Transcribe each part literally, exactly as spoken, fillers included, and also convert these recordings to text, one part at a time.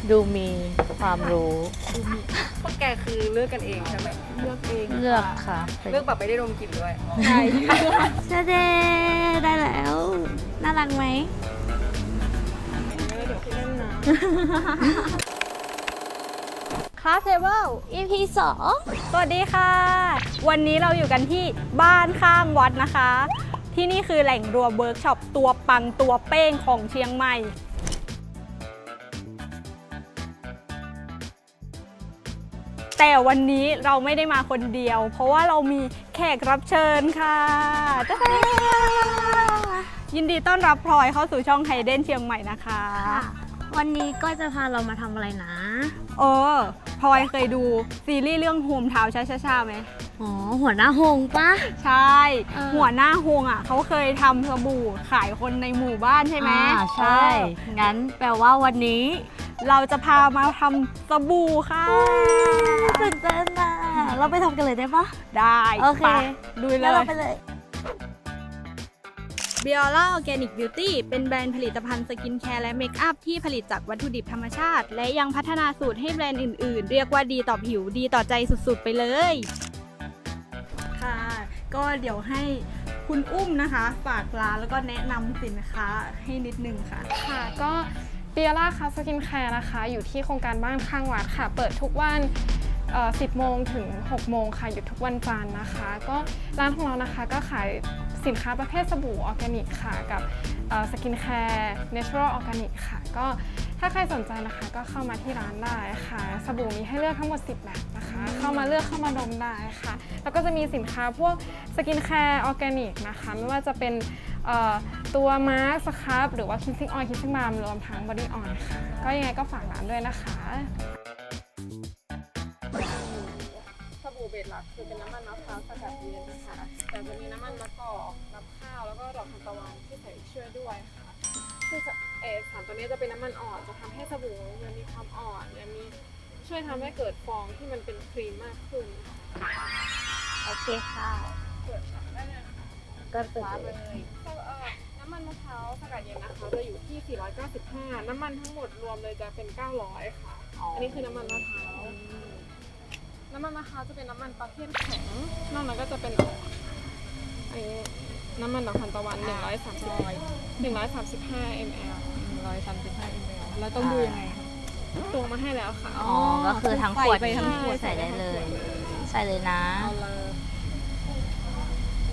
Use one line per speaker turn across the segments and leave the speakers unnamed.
ดูมีความรู้
พวกแกคือเลือกกันเองใช่ไหมเลือกเอง
เลือกค่ะ
เลือกแบบไม่ได้ดมกลิ่นด้วย
ใช่เจเดได้แล้ว น่ารักไหม
เดี๋ยวพี่เล่นนะ
คลาสเทเบิล อี พี สอง
สวัสดีค่ะ วันนี้เราอยู่กันที่บ้านข้างวัดนะคะ ที่นี่คือแหล่งรวมเวิร์กช็อปตัวปังตัวเป้งของเชียงใหม่ แต่วันนี้เราไม่ได้มาคนเดียว เพราะว่าเรามีแขกรับเชิญค่ะจ๊ะยินดีต้อนรับพลอยเข้าสู่ช่องไฮเดนเชียงใหม่นะคะ
วันนี้ก็จะพาเรามาทำอะไรนะ
เออพลอยเคยดูซีรีส์เรื่องโฮมทาวน์ช้าช้าๆไหม
อ๋อ หัวหน้าหงปะ
ใช่
เออ
หัวหน้าฮวงอ่ะเขาเคยทำสบู่ขายคนในหมู่บ้านใช่ไหม
อ่าใช่
เออ
งั้นแปลว่าวันนี้
เราจะพามาทำสบู่ค่ะ
ตื่นเต้นอ่ะเราไปทำกันเลยได้ปะ
ได้
โอเค
ไปดูเล
งั้นเรา
ย
ไปเลย
Biola Organic Beauty เป็นแบรนด์ผลิตภัณฑ์สกินแคร์และเมคอัพที่ผลิตจากวัตถุดิบธรรมชาติ และยังพัฒนาสูตรให้แบรนด์อื่นๆ เรียกว่าดีต่อผิวดีต่อใจสุดๆ ไปเลย ค่ะ ก็เดี๋ยวให้คุณอุ้มนะคะ ฝากร้านแล้วก็แนะนำสินค้าให้นิดนึงค่ะ
ค่ะก็เบียร่าคัสสกินแคร์นะคะอยู่ที่โครงการบ้านข้างวัดค่ะ เปิดทุกวันเอ่อสิบโมงถึงหกโมงค่ะหยุดทุกวันจันทร์นะคะ ก็ร้านของเรานะคะก็ขายสินค้าประเภทสบู่ออร์แกนิกค่ะกับสกินแคร์เนเชอรัลออร์แกนิกค่ะก็ถ้าใครสนใจนะคะก็เข้ามาที่ร้านได้ค่ะสบู่มีให้เลือกทั้งหมดสิบแบบนะคะเข้ามาเลือกเข้ามาดมได้ค่ะแล้วก็จะมีสินค้าพวกสกินแคร์ออร์แกนิกนะคะไม่ว่าจะเป็นเอ่อตัวมาร์คสครับหรือว่าคิสซิ่งออยล์คิสซิ่งบาล์มรวมทั้งบอดี้ออยล์ค่ะก็ยังไงก็ฝากร้านด้วยนะคะสบู่เบสหลักคือเป็นน้ำมันมะพร้าวสกัดเย็นนะคะแต่จะมีน้ำมันมะกอกน้ำข้าวแล้วก็ดอกทานตะวันที่ใส่ช่วยด้วยค่ะซึ่งเออสารตัวนี้จะเป็นน้ำมันอ่อนจะทำให้สบู่มันมีความอ่อนและมีช่วยทำให้เกิดฟองที่มันเป็นครีมมากขึ้น
โอเคค่ะ
เปิดได้เลยค่ะ
ก็เปิด
ร้าน
เล
เลย ยเอ่อน้ำมันมะพร้าวสกัดเย็นนะคะจะอยู่ที่สี่ร้อยเก้าสิบห้าน้ำมันทั้งหมดรวมเลยจะเป็นเก้าร้อยค่ะ อันนี้คือน้ำมันมะพร้าวน้ำมันมะพร้าวจะเป็นน้ำมันประเภทแข็งนอกนั้นก็จะเป็นอ่อนอันนี้น้ำมันดอกทานตะวันหนึ่งร้อยสามสิบหนึ่งร้อยสามสิบห้ามิลลิลิตร
หนึ่งร้อยสามสิบห้ามิลลิลิตรแล้วต้องดูยังไงคะ
ตวงมาให้แล้วค่ะ
อ๋อ ก็คือทั้งขวด
ใส่ไปทั้งขวด
ใส่ได้เลย ใส่เลยนะ
เอาเลย
โอ้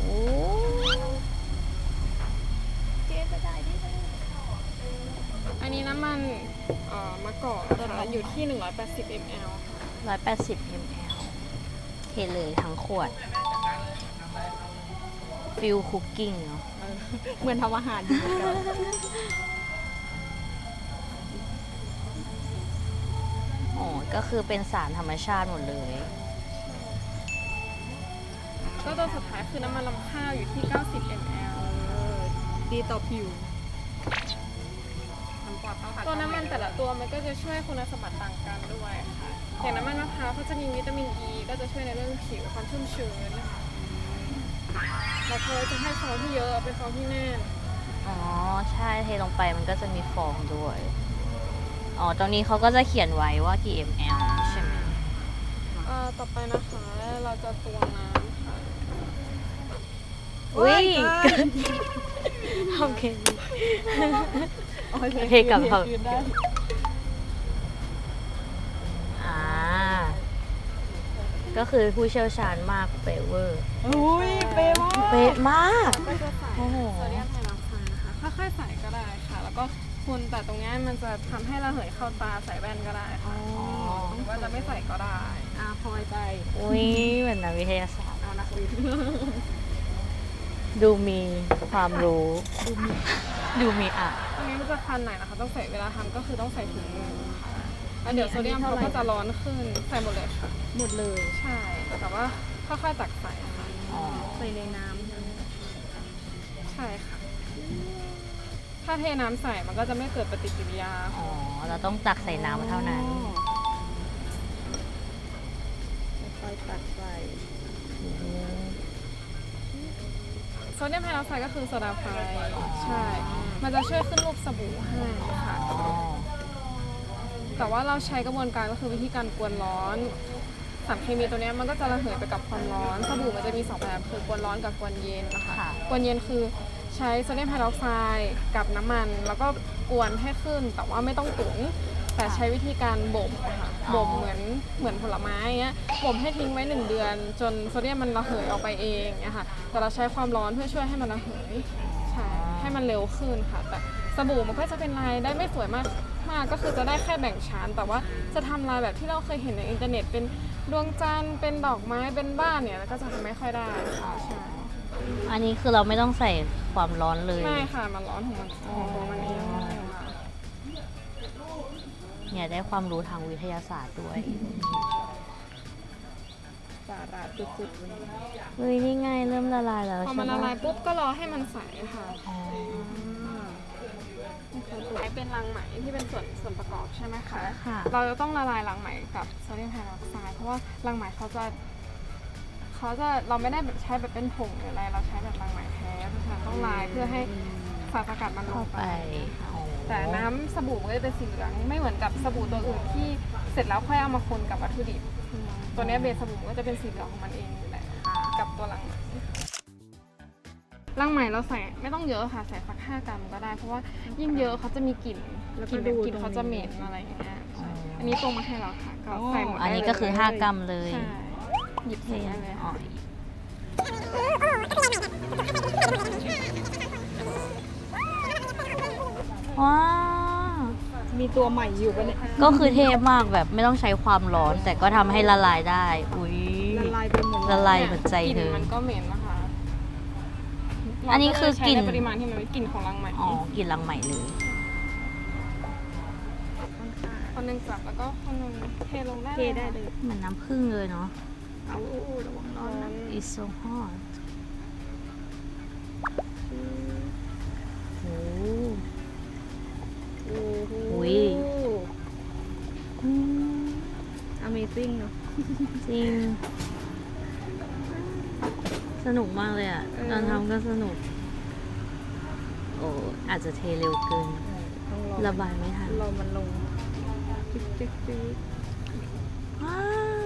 อันนี้น้ำมันเอ่อมะกอกนะคะอยู่ที่หนึ่งร้อยแปดสิบมิลลิลิตร
ร้อยแปดสิบมิลลิลิตรเทเลยทั้งขวด ฟิลคุกกิ้งเนาะ
เหมือนทำอาหารอยู่เหมือนกัน
อ๋อ ก็คือเป็นสารธรรมชาติหมดเลย
ก็ตัวสุดท้ายคือน้ำมันลำข้าวอยู่ที่เก้าสิบมิลลิลิตร
ดีต่อผิว
ตัวน้ำมันแต่ละตัวมันก็จะช่วยคุณสมบัติต่างกันด้วยค่ะ อย่างน้ำมันมะพร้าวเขาจะมีวิตามินอ e, ีก็จะช่วยในเรื่องผิวความชุ่มชื้นนะคะแล้วเขาจะให้ฟองที่เยอะเป็นฟองที่แน่น
อ๋อ ใช่ เทลงไปมันก็จะมีฟองด้วย อ๋อ ตรงนี้เขาก็จะเขียนไว้ว่ากี่ มล ใช่ไหม
เอ่อต่อไปนะคะเราจะตวงน้ำค่ะ
อุ้ย โอเคเทกลับเขา อ่า ก็คือผู้เชี่ยวชาญมากเปเวอร์
อุ้ยเป๊ะมาก
เป๊ะมาก
ก็จะใส่
โอ้โห
โซเดียมไฮดรอกไซด์นะคะค่อยๆใส่ก็ได้ค่ะ แล้วก็คนแต่ตรงนี้มันจะทำให้ระเหยเข้าตาใส่แว่นก็ได้ค่ะหรือว่าจะไม่ใส่ก็ได้
อ่ะพลอยไป
อุ้ยเหมือนนักวิทยาศาสตร์
เอานักวิทย์
ดูมีความรู้ ดูมีอ่ะ
ตรงนี้มันจะคันหน่อยนะคะ ต้องใส่เวลาทำก็คือต้องใส่ถุงมือค่ะแล้วเดี๋ยวโซเดียมเขาก็จะร้อนขึ้น ใส่หมดเลยค่ะ
หมดเลย
ใช่ แต่ว่าค่อยๆตักใส่ค่ะ
อ๋อ
ใส่ในน้ำใช่ไหม
ใช่ค่ะ ถ้าเทน้ำใส่มันก็จะไม่เกิดปฏิกิริยา
อ๋อ เราต้องตักใส่น้ำเท่านั้น
ค่อยๆตักใส่
อืม
โซเดียมไฮดรอกไซด์ก็คือโซดาไฟ ใช่ มันจะช่วยขึ้นรูปสบู่ให้ค่ะ
อ๋อ
แต่ว่าเราใช้กระบวนการก็คือวิธีการกวนร้อนสารเคมีตัวเนี้ยมันก็จะระเหยไปกับความร้อนสบู่มันจะมีสองแบบคือกวนร้อนกับกวนเย็นนะคะ
ค่ะ
กวนเย็นคือใช้โซเดียมไฮดรอกไซด์กับน้ำมัน แล้วก็กวนให้ขึ้นแต่ว่าไม่ต้องตุ๋นแต่ใช้วิธีการบ่มอะค่ะบ่มเหมือนเหมือนผลไม้เงี้ยบ่มให้ทิ้งไว้หนึ่งเดือน จนโซเดียมมันระเหยออกไปเองเนี่ยค่ะแต่เราใช้ความร้อนเพื่อช่วยให้มันระเหยใช่ให้มันเร็วขึ้นค่ะแต่สบู่มันก็จะเป็นลายได้ไม่สวยมากมากก็คือจะได้แค่แบ่งชั้นแต่ว่าจะทำลายแบบที่เราเคยเห็นในอินเทอร์เน็ตเป็นดวงจันทร์เป็นดอกไม้เป็นบ้านเนี่ยแล้วก็จะทำไม่ค่อยได้ค่ะใช่
อันนี้คือเราไม่ต้องใส่ความร้อนเลย
ไม่ค่ะมันร้อนของมันของตัวมันเองค่ะ
เนี่ยได้ความรู้ทางวิทยาศาสตร์ด้วย
สาระสุดๆวันนี้
เฮ้ยนี่ไงเริ่มละลายแล้ว
พอ
ใช่
มันละ
ปะ
ลายปุ๊บก็รอให้มันใสค่ะ
อ๋อ
ใช้เป็นรังไหมที่เป็นส่วนส่วนประกอบใช่ไหมคะ
ค่ะ
เราจะต้องละลายรังไหมกับโซเดียมไฮดรอกไซด์เพราะว่ารังไหมเขาจะเขาจะเราไม่ได้แบบใช้แบบเป็นผงหรืออะไรเราใช้แบบรังไหมแท้เพราะฉะนั้นต้องลายเพื่อให้สารสกัดมันล
เข้าง
ไป
ไปอ๋อ
แต่น้ำสบู่มันก็จะเป็นสีเหลืองไม่เหมือนกับสบู่ตัวอื่นที่เสร็จแล้วค่อยเอามาคนกับวัตถุดิบอืมตัวเนี้ยเบสสบู่มันก็จะเป็นสีเหลืองของมันเองอยู่แล้วกับตัวรังไหมรังไหมเราใส่ไม่ต้องเยอะค่ะใส่สักห้ากรัมก็ได้เพราะว่ายิ่งเยอะเขาจะมีกลิ่นกลิ่นแบบกลิ่นเขาจะเหม็นอะไรอย่างเงี้ยใช่อันนี้ตรงมาให้เราค่ะก็ใส่หมด
อัน
ได้
นี้
เลย
ก็คือห้ากรัมเลย
ใช่หยิบใส่ได้เลย
อ๋อ
ค่ะ
ว้าว
มีตัวใหม่อยู่ปะเนี่ย
ก็คือเทพมากแบบไม่ต้องใช้ความร้อน แต่ก็ทำให้ละลายได้ อุ้ย
ละลายไปหมด
ละลายหัวใจ
กลิ่
เธ
น
อ
มันก็เหม็นนะคะ
อันนี้คือกลิ่น
เราก็เลยใช้ในปริมาณที่มันเป็นกลิ่นของรังไหม
อ๋อ กินรังใหม่เลย
คนหนึ่งจับแล้วก็คนหนึ่งเทลงได้
เทได้เลย
เหมือนน้ำผึ้งเลยเนาะ
เอาระวังร้อนนะ
It's so hot โอ้
โอ้โห
อุ๊ย อืม
Amazing เนอะ
จริง สนุกมากเลยอ่ะ ตอนทำก็สนุก โอ้อาจจะเทเร็วเกิน
ต้องรอ
ระบายไม่ทัน
รอมันลงจิ๊กจิ๊กจิ๊ก
ว้าว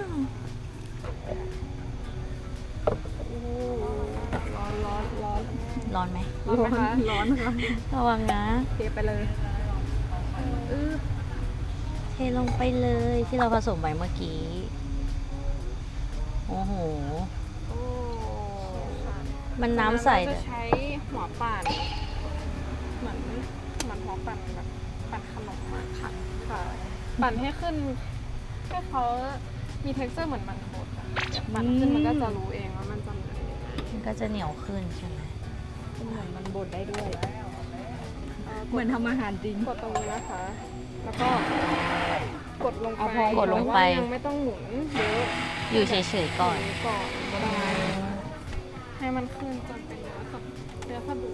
โอ้ร้อนร้อนร้อน
ร้อนไหม
ร้อนไหมคะ
ร้อนค่ะ
ระวังนะ
เทไปเลยอื้อ
เทลงไปเลยที่เราผสมไว้เมื่อกี้ โอ้โห
โอ้
มันน้ำใส
เรา
เล
จะ
ย
ใช้หัวปั่นเหมือนเหมือนหัวปั่นแบบปั่นขนมอะค่ะค่ะ ปั่นให้ขึ้นให้เขามี texture เหมือนมันบดอะเดี๋ยวปั่นขึ้นมันก็จะรู้เองว่ามันจะเหมือนยังไง
มันก็จะเหนียวขึ้นใช่ไหม
เหมือนมันบดได้ด้วย
เอ่อก
เหมือนทำอาหารจริง
กดตรงนี้นะคะ แล้วก็กดลงไป
เอาพอ
กดลงไป
แต่ว่ายังไม่ต้องหมุนเยอะ
อยู่เฉยๆก่อน
หมุก่อนก็ได้ให้มันขึ้นจนเป็นเนื้อสบเนื้อสบู่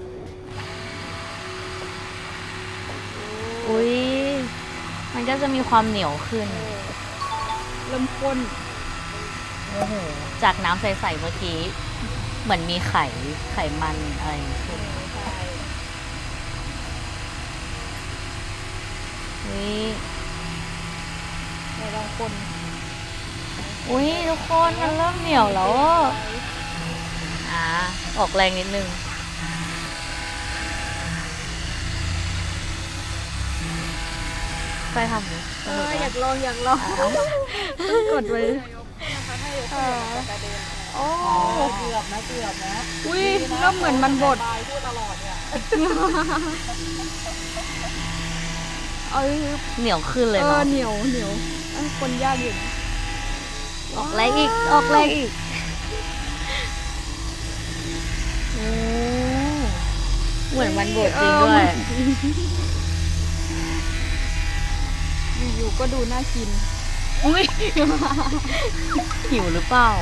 อุ้ย มันก็จะมีความเหนียวขึ้น
เริ่มข้น
โอ้โห จากน้ำใสๆเมื่อกี้ เหมือนมีไข่ไขมันอะไรขึ้นอุ้ย
เราลองคน
อุ้ยทุกคนมันเริ่มเหนียวแล้วอะอ่า ออกแรงนิดนึง ไปทำดิ
เอออยากลองอยากลองต้องกดไว้
ค่ะ
โอ้เกือบนะเกือบนะอุ้ยเริ่มเหมือนมันบดพูดตลอดเนี่ยเออ
เหนียวขึ้นเลย
เออ
เนาะ
เหนียวเหนียวเอ้ยคนยากอยู่นะ
ออกแรงอีก ออกแรงอีกโอ้เหมือนมันบดจริงด้วย
อยู่ๆก็ดูน่ากิน
อุ้ย หิวหรือเปล่า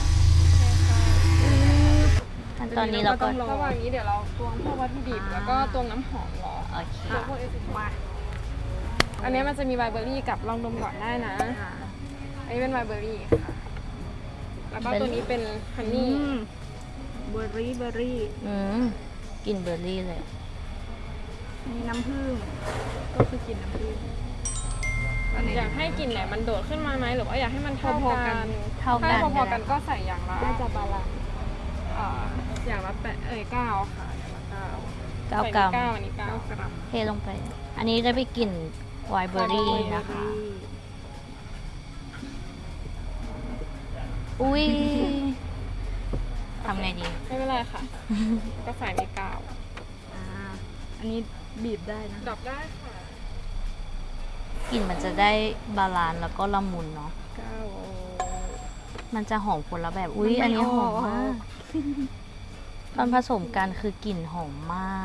ขั้นตอนนี้เราก็
ต้องรอ
ระหว่างนี้เดี๋ยวเราตวงพวกวัตถุดิบแล้วก็ตวงน้ำหอมรอ
โอเค
ตวงพวกเอสมาอันนี้มันจะมีไวเบอรี่กับลองดมก่อนได้นะ อันนี้เป็นไวเบอรี่ค่ะ แล้วก็ตัวนี้เป็นฮัน
อื
นี่
มเบอร์รี่เบอร์รี่
อืมกลินเบอร์รี่เลย
มีน้ำผึ้งก็คือกินน้ำผึ้ง
อยากให้กลิ่นไหนมันโดดขึ้นมาไหมหรือว่าอยากให้มันเท่า
พอๆ
กั
กัน
น
เท่ากัน
ถ้พอ
ก็
ๆ
ได้
กันก็ใส่อย่างละ
น่าจะบาลานซ์
อ่าอย่างละแปดเอ้ยเก้าค่ะอย่างละเก้า
เก้า
ใส่
กรัม
เก้าอันนี้เก้า
เก้ากรัม
เทลงไป อันนี้จะไปกลิ่นไวน์เบอร์รี่นะคะ อุ้ยทำไงดี
ไม่เป็นไรค่ะ ก็ใส่ในกาว
อ่าอันนี้บีบได้นะ
ดอกได้ค่ะ
กลิ่นมันจะได้บาลานซ์แล้วก็ละมุนเนาะ
เก้า
มันจะหอมคนละแบบ อุ้ย
มันไม่
อันนี้หอม
ออก
มาก ตอนผสมกันคือกลิ่นหอมมาก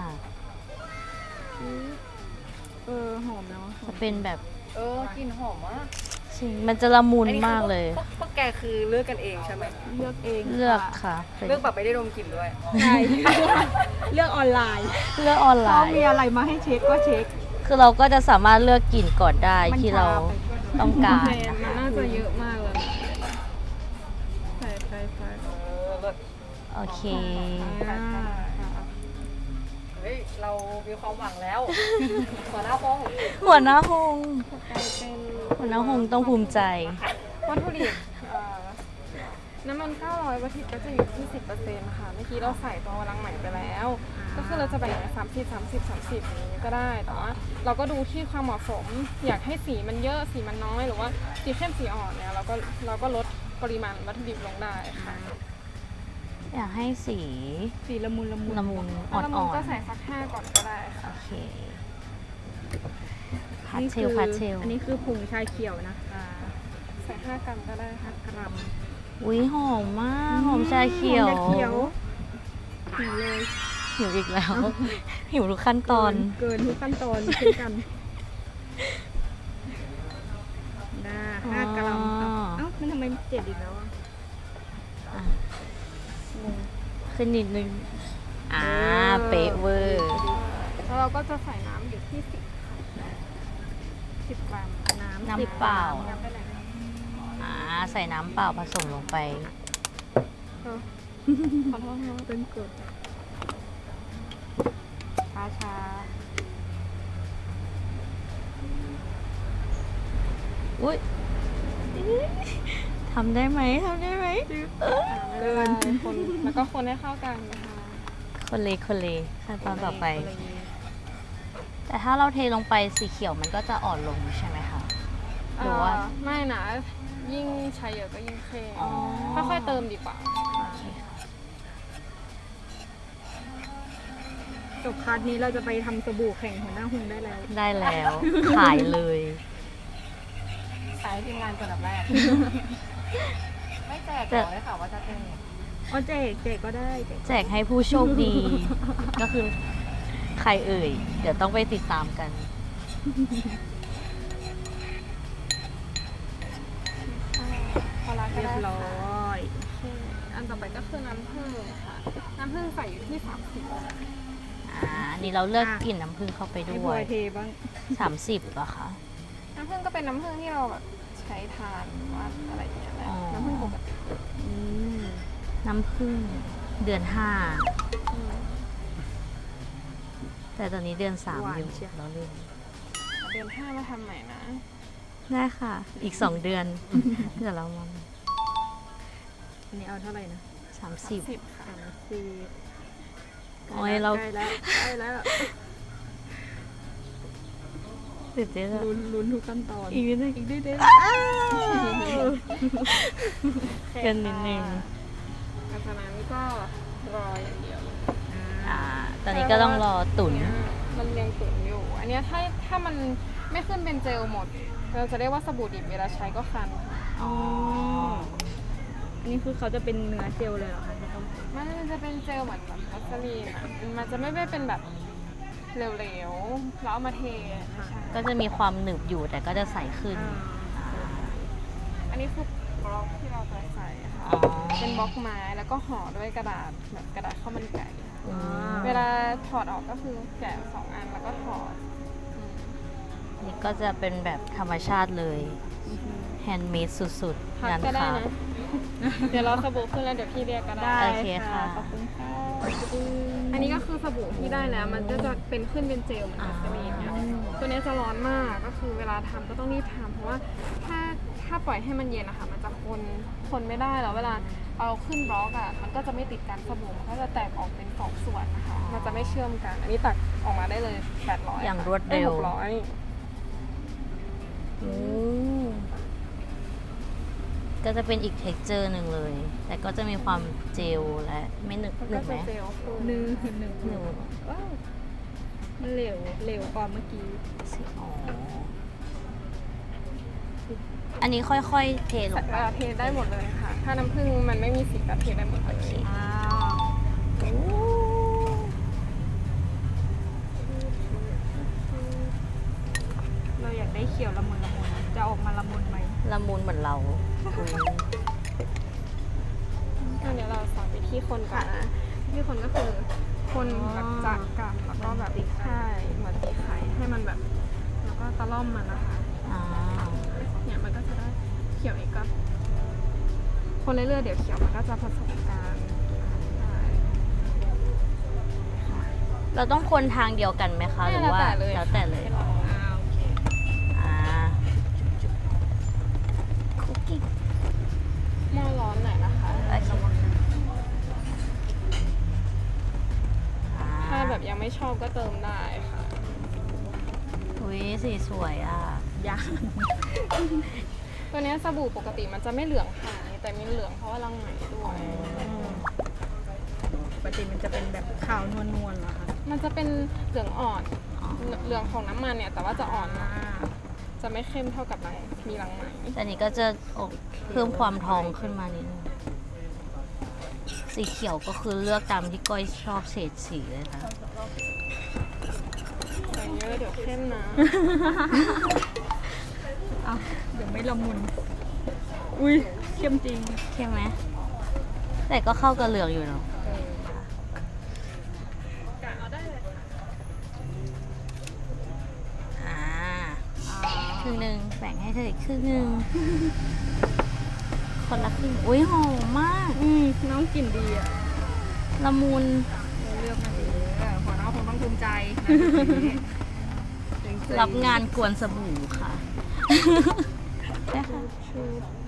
เออหอมแล้ว
จะเป็นแบบ
เออกลิ่นหอมมาก
จริงมันจะละมุน
อันนี้
มากเลย
พวพวกแกคือเลือกกันเองใช่ไหม
เลือกเอง
เลือก
ค่ะ
ค่ะ
เลือกแบบไม่ได้ดมกลิ่นด้วย
ใช่เลือกออนไลน์
เลือกออนไล
เขา
น์
มีอะไรมาให้เช็คก็เช็ค
คือเราก็จะสามารถเลือกกลิ่นก่อนได้
มัน
ที่เรา
ช้าไป
ต้องการ
แมนมันน่าจะเยอะมากเลยใส่ใส่ใส่
เออเลิศ
โอเค
อ่า
เฮ้ย เรามีความหวังแล้วหัวหน้าห้อง
หัวหน้าหง
กลายเป็น
หัวหน้าหงต้องภูมิใจ
วัตถุดิบเอ่อน้ำมันเก้าร้อยวัตถุดิบก็จะอยู่ที่ สิบเปอร์เซ็นต์ ค่ะ เมื่อกี้เราใส่ตัววลังใหม่ไปแล้ว ก็คือเราจะแบ่งสามสิบ สามสิบ สามสิบอย่างนี้ก็ได้ แต่ว่าเราก็ดูที่ความเหมาะสม อยากให้สีมันเยอะ สีมันน้อย หรือว่าสีเข้มสีอ่อนเนี่ยเราก็เราก็ลดปริมาณวัตถุดิบลงได้ค่ะ
อยากให้สี
สีละมุนละมุน
ละมุนอ่
แล้วเรา
อน
ก็ใส่สักห้าก่อนก็ได้
ๆ
ค่ะ
โอเคพัด
นี่
เช
คื
ล
อ
พัดเชล
อันนี้คือผงชาเขียวนะคะ
ใส่ห้ากรัมก็ได้ค่ะ
กรัม
อุ้ยหอมมาก หอมชาเขียว
หอมชาเขียวหิวเลย
หิวอีกแล้ว หิวทุกขั้นตอน
เกินทุกขั้นตอนเช่นกันน่าห้ากรัม
อ๋อ
เอ้ามันทำไมเจ็ดอีกแล้วอ่ะ
อ่ะ
งง
ขึ้นนิดนึง อ่า
เออ
เป๊ะเวอร์
แล้วเราก็จะใส่น้ำอยู่ที่สิบสิบกรัม
น้ำ
น้ำ
สิบ
เปล่า
น้ำไปไหน
อ่า ใส่น้ำเปล่าผสมลงไป
เออขอโทษนะ
เป็นกรดช้าช้า
อุ้ยทำได้ไหมทำได้ไหม
เกินคนแล้วก็คนให้เข้ากันนะคะ
คนเลคนเลขั้นตอนต่อไป แต่ถ้าเราเทลงไปสีเขียวมันก็จะอ่อนลงใช่ไหมคะ หรือว่า
เอ่อไม่นะยิ่งใช้เยอะก็ยิ่งเข้ม
อ๋อ
ค่อยๆเติมดีกว่า
โอเคค่ะ
จบคลาสนี้เราจะไปทำสบู่แข่งหัวหน้าหุงได้แล้ว
ได้แล้ว ขายเลย
ขายให้ทีมงานก่อนดับแรก ไม่แจกหรอกได้ข่าวว่าจะแจก
อ๋อแจกแจกก็ได้แจก
แจกให้ผู้โชคดี ก็คือใครเอ่ย เดี๋ยวต้องไปติดตามกัน
พอละก็
เรีย
ได้
บร้
ค่ะ
อย
โอเคอันต่อไปก็คือน้ำผึ้งค่ะ น้ำผึ้งใส่อยู่ที่สามสิบ
อ่า อันนี้เราเลือกกลิ่นน้ำผึ้งเข้าไป
ให้
ด้
พล
ว
อย ยเทบ้าง
สามสิบเหรอคะ
น้ำผึ้งก็เป็นน้ำผึ้งที่เราแบบใช้ทานหรือว่าอะไรอย่างเงี้ยแหละ
อ๋อ
น้ำผึ้งปกติ
อืม
น้ำผึ้งเดือนห้า
อืม
แต่ตอนนี้เดือนสามอยู่เราเลือก
เดือนห้ามาทำใหม่นะ
ได้ค่ะ อีกสองเดือน เดี๋ยวเรามา
อันนี้เอาเท่าไหร่นะ
สามสิบ
สิบค่ะ
สามสิบ
โอ้ยเรา
ใกล้แล้วใกล้แล้ว
ตื่นเต้นอะ
ลุ้นลุ้นทุกขั้นตอน
อีกนิดนึง
อีกนิดเดียว
เกินนิดนึง
หลังจากนั้นก็รออย่างเดียว
อ่า ตอนนี้ก็ต้องรอตุ๋น
เยมันยังตุ๋นอยู่ อันเนี้ยถ้าถ้ามันไม่ขึ้นเป็นเจลหมด เราจะเรียกว่าสบู่ดิบเวลาใช้ก็คันค่ะ
อ๋อ
อันนี้คือเขาจะเป็นเนื้อเจลเลยเหรอคะที่ต้อง
มันจะเป็นเจลเหมือนแบบวัสลีนอ่ะ มันจะไม่ได้เป็นแบบเหลวๆ แล้วเอามาเทไม่ใช่
ก็จะมีความหนึบอยู่แต่ก็จะใสขึ้น
อันนี้คือบล็อกที่เราจะใส่ค่ะ
อ๋อ
เป็นบล็อกไม้แล้วก็ห่อด้วยกระดาษแบบกระดาษข้าวมันไก่
อืม
เวลาถอดออกก็คือแกะสองอันแล้วก็ถอดอืม
นี่ก็จะเป็นแบบธรรมชาติเลย แฮนด์เมดสุด
พั
ๆ
ก
งาน
ก็ได้
ค่ะ
นะ เดี๋ยวเราสบู่ขึ้นแล้วเดี๋ยวพี่เรียกก็ได้
โอเคค่ะ
ขอบคุณค่ะ
อันนี้ก็คือสบู่ที่ได้แล้ว มันก็จะเป็นขึ้นเป็นเจลเหมือนวัสลีนเนี่ยตัวนี้จะร้อนมากก็คือเวลาทำก็ต้องรีบทำเพราะว่าถ้าถ้าปล่อยให้มันเย็นนะคะมันจะคนคนไม่ได้แล้วเวลาเอาขึ้นบล็อกอ่ะมันก็จะไม่ติดกันสบู่มันก็จะแตกออกเป็นสองส่วนนะคะมันจะไม่เชื่อมกัน อันนี้ตักออกมาได้เลยแปดร้อย
อย่างรวดเร็ว
หกร้อย
โอ้ก็จะเป็นอีกเท็กเจอร์หนึ่งเลย แต่ก็จะมีความเจลและไม่หนึบ
มัน
หนึ
ก็
บไหม
จะเจลขึ้น
หนึ่งหนึ่ง
หนึบ
ว้าวมันเหลวเหลวกว่าเมื่อกี้
สิอ๋ออันนี้ค่อยๆเทลงไป
เอ่อเทได้หมดเลยค่ะ ถ้าน้ำผึ้งมันไม่มีสีก็เทได้หมดเลย
อ้าว เราอยากได้เขียวละมุนละมุนจะออกมาละมุนไหม
ละมุนเหมือนเราอุ๊ย
อันนี้เราสอนวิธีคนก่อนนะวิธีคนก็คือคนแบบจากกับแล้วก็แบบใช่เหมือนตีไข่ให้มันแบบ แล้วก็ตะล่อมมันนะคะ
อ่า
เนี่ยมันก็จะได้เขียวอีกก็คนเรื่อยๆเดี๋ยวเขียวมันก็จะผสมกันใช่
เราต้องคนทางเดียวกันไหมคะหรือว่า
แล้วแต่เลย
แล้วแต่เลย
ค่ะ
อ้าวโอเค
อ่าคุกกี้
หม้อร้อนหน่อยนะคะ
โอเคอ่า
ถ้าแบบยังไม่ชอบก็เติมได้ค่ะ
อุ้ยสีสวยอ่ะ
ยาก
ตัวเนี้ยสบู่ปกติมันจะไม่เหลืองค่ะแต่มีเหลืองเพราะว่ารังไหมด้วย
ปกติมันจะเป็นแบบขาวนวลนวลๆเหรอคะ
มันจะเป็นเหลืองอ่อน
อ๋อ
เหลืองของน้ำมันเนี่ยแต่ว่าจะอ่อนมาก
อ่า
จะไม่เข้มเท่ากับรังมีรังไหม
แต่นี้ก็จะอกเพิ่มความทองขึ้นมานิดนึงสีเขียวก็คือเลือกตามที่ก้อยชอบเฉดสีเลยนะ
ใส่เยอะเดี๋ยวเข้มนะ
อ้าวเดี๋ยวไม่ละมุน อุ้ยเข้มจริง
ใช่ไหม แต่ก็เข้ากับเหลืองอยู่เนาะ
กะเอาได้เลย
อ่าครึ่งหนึ่งแบ่งให้เธออีกครึ่งหนึ่งคนละครึ่งอุ้ยหอมมาก
อืมน้องกลิ่นดีอ่ะ
ละมุน
เราเลือกมาดีเออหัวน้องคงต้องภูมิใจจริงๆ
รับงานกวนสบู่ค่ะ ใช่ค่ะ
ชู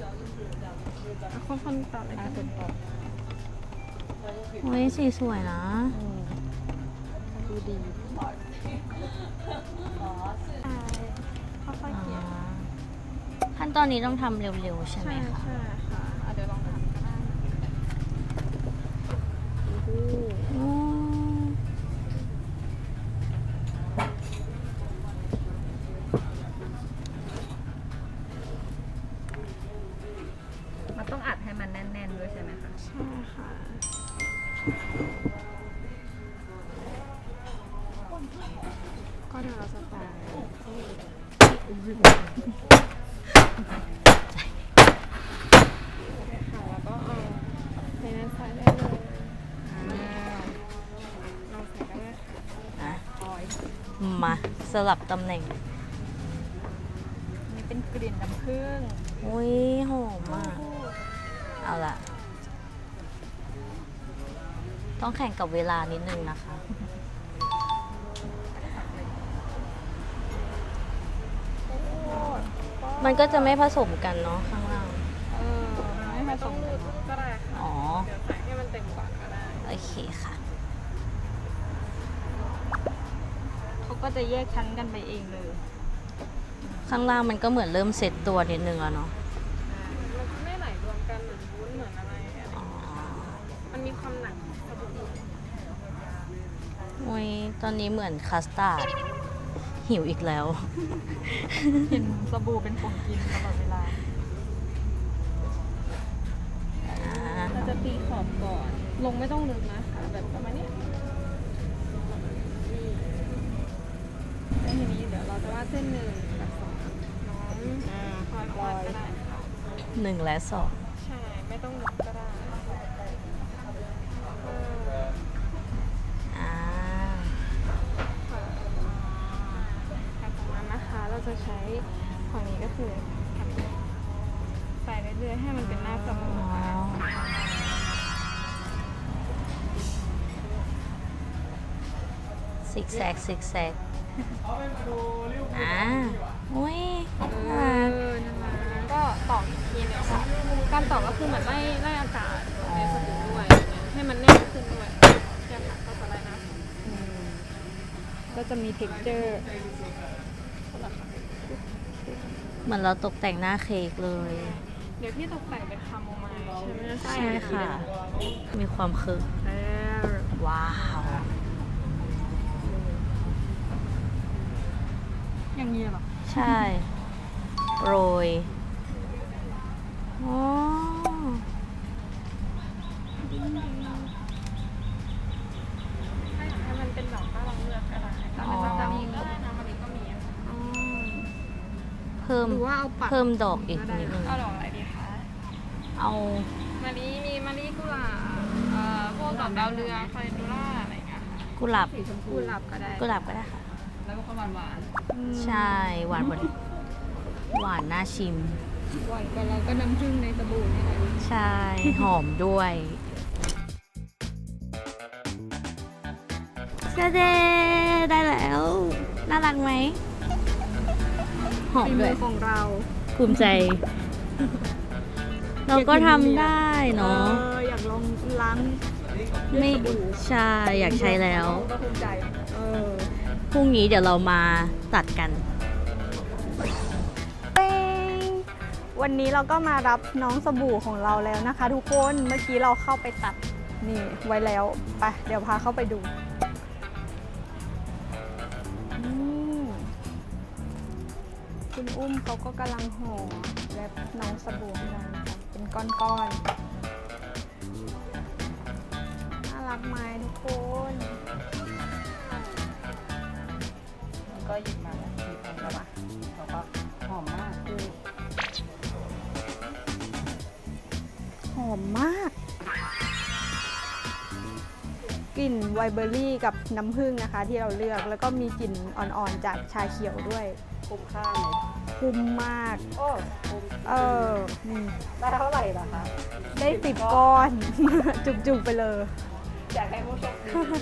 คนๆต่อเลย
อ่ะ
ค่ะ
คนต่อ
อุ้ยสีสวยนะ
อืมดูดี
ค่อยๆเขียน
ขั้นตอนนี้ต้องทำเร็วๆใช่ไหม
ใช่
คะ
ใช่ค่ะอ่ะเดี๋ยวลองทำก็ได้
อืม
มันต้องอัดให้มันแน่นๆด้วยใช่ไหมคะ
ใช่ค่ะ ก็เดี๋ยวเราจะต่อค่ะแล้วก็เอาในนั้นใส่ได้เลยลองใส่ได้เลยค่ะ
อ่ะมาสลับตำแหน่ง
นี่เป็นกลิ่นน้ำผึ้ง
อุ้ยหอมมาก เอาละต้องแข่งกับเวลานิดนึงนะคะ มันก็จะไม่ผสมกันเนาะข้างล่าง
เออไม่ผสมก็ได้ค่ะ
อ๋อ
เดี๋ยวใส่ให้มันเต็มก่อนก็ได้
โอเคค่ะ
เขาก็จะแยกชั้นกันไปเองเลย
ข้างล่างมันก็เหมือนเริ่มเซตตัวนิดนึงแล้วเนาะ
มันจะไม่ไหลรวมกันเหมือนวุ้นเหมือนอะไรอะไร
อ๋อ
มันมีความหนักของสบู่
อุ้ยตอนนี้เหมือนคัสตาร์ดหิวอีกแล้ว
เห็นสบู่เป็นของกินตลอดเวลา
อ่า
เราจะตีขอบก่อน
ลงไม่ต้องลึกนะคะแบบประมาณเนี้ยแล้วทีนี้เดี๋ยวเราจะวาดเส้นหนึ่งกับสองน้องคอยวาดก็ได้ค่ะ
หนึ่งและสอง
ใช่ ไม่ต้องลึกก็ได้เออ
อ่า
ค่ะจากนั้นนะคะเราจะใช้ฝั่งนี้ก็คือใส่เรื่อยๆให้มันเป็นหน้าสบู่
อ๋อ
ค่ะ
ซิกแซกซิกแซกอ่าอุ้ย
เออนั่นแหละก็ตอกอีกทีหนึงค่ะการตอกก็คือเหมือนไล่ไล่อากาศในสบู่ด้วยให้มันแน่นขึ้นด้วยเนี่ยค่ะก็จะไล่นะก็จะมี texture
เหมือนเราตกแต่งหน้าเค้กเลย
เดี๋ยวพี่ตกแต่งเป็นคาโมไมล์ใช่ไหม
ใช่ค่ะ มีความคึก
เออ
ว้าว
อย่างนี้เหรอ
ใช่ โรยอ๋อ
ถ้าอยากให้มันเป็นดอกก็ลองเลือกก็ได้แต่เป็นสตาร์ลิงก็ได้นะมันนี้ก็มีอะค่ะ
เพิ่ม
หรือว่าเอาปัก
เพิ่มดอกอีกนิดนึง
เอาดอกอะไรดีคะ
เอา
มะลิมีมะลิกุหลาบเอ่อพวกดอกดาวเรืองคาเลนดูล่าอะไรอย่างเงี้ยค่ะ
กุหลาบ
กุหลาบก็ได้
กุหลาบก็ได้ค่ะ
แล้วก็หวานหวาน
ใช่ หวานบนหวานน่าชิม
หวานก็แล้วก็น้ำผึ้งในสบู่นี่แหละ
ใช่ หอมด้วยเชเดได้แล้ว น่ารักไหม หอม
ฝี
ด้
มื
วย
อของเรา
ภูมิใจ เราก็ทำได้เนาะ
อออยากลองล้าง
ไม่ใช่ อยากใช้แล้ว
ก็ภูมิใจเออ
พรุ่งนี้เดี๋ยวเรามาตัดกัน
เป้งวันนี้เราก็มารับน้องสบู่ของเราแล้วนะคะ ทุกคนเมื่อกี้เราเข้าไปตัดนี่ไว้แล้วไปเดี๋ยวพาเข้าไปดูอืมคุณอุ้มเขาก็กำลังห่อแรปน้องสบู่ให้เรานะคะเป็นก้อนๆน่ารักไหมทุกคน
ก็หยิบมาแล้วหยิบมาแล้วปะแล้วก็หอมมากคือ
หอมมาก กลิ่นไวน์เบอร์รี่กับน้ำผึ้งนะคะที่เราเลือกแล้วก็มีกลิ่นอ่อนๆจากชาเขียวด้วย
คุ้มค่าไหม
คุ้มมาก
โอ้คุ้ม
เออนี่
ได้เท่าไหร่ล่ะคะ
ได้สิบก้อน จุกๆไปเลย
อยากให้ผู้โชคดี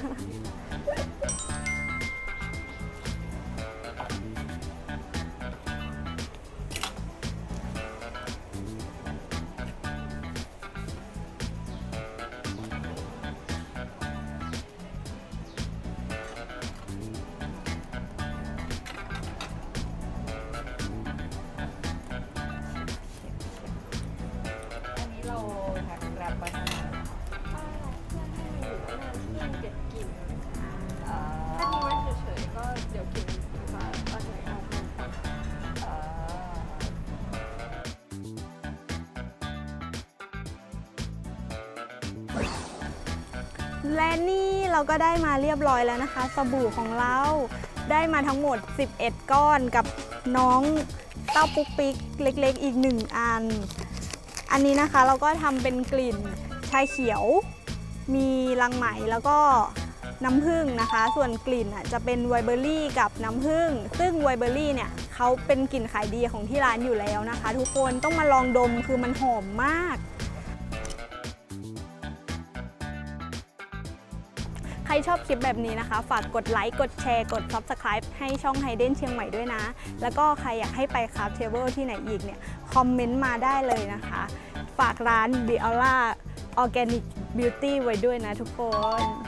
อันนี้เราแพ็คแรปไว้ทำไมล่ะ
เก็บกลิ่น
อ่า
ถ้าทิ้งไว้เฉยๆก็เดี๋ยวกลิ่นมันจะระเหยออกมา
อ่า
และนี่เราก็ได้มาเรียบร้อยแล้วนะคะ สบู่ของเราได้มาทั้งหมดสิบเอ็ดก้อนกับน้องเต้าปุ๊กปิ๊กเล็กๆอีกหนึ่งอัน อันนี้นะคะเราก็ทำเป็นกลิ่นชาเขียว มีรังไหมแล้วก็น้ำผึ้งนะคะ ส่วนกลิ่นอ่ะจะเป็นไวน์เบอร์รี่กับน้ำผึ้งซึ่งไวน์เบอร์รี่เนี่ยเขาเป็นกลิ่นขายดีของที่ร้านอยู่แล้วนะคะ ทุกคนต้องมาลองดมคือมันหอมมาก ใครชอบคลิปแบบนี้นะคะ ฝากกดไลค์ กดแชร์ กด ซับสไครบ์ ให้ช่องไฮเดนเชียงใหม่ด้วยนะ แล้วก็ใครอยากให้ไปคราฟเทเบิลที่ไหนอีกเนี่ย คอมเมนต์มาได้เลยนะคะ ฝากร้าน Biora Organic Beauty ไว้ด้วยนะทุกคน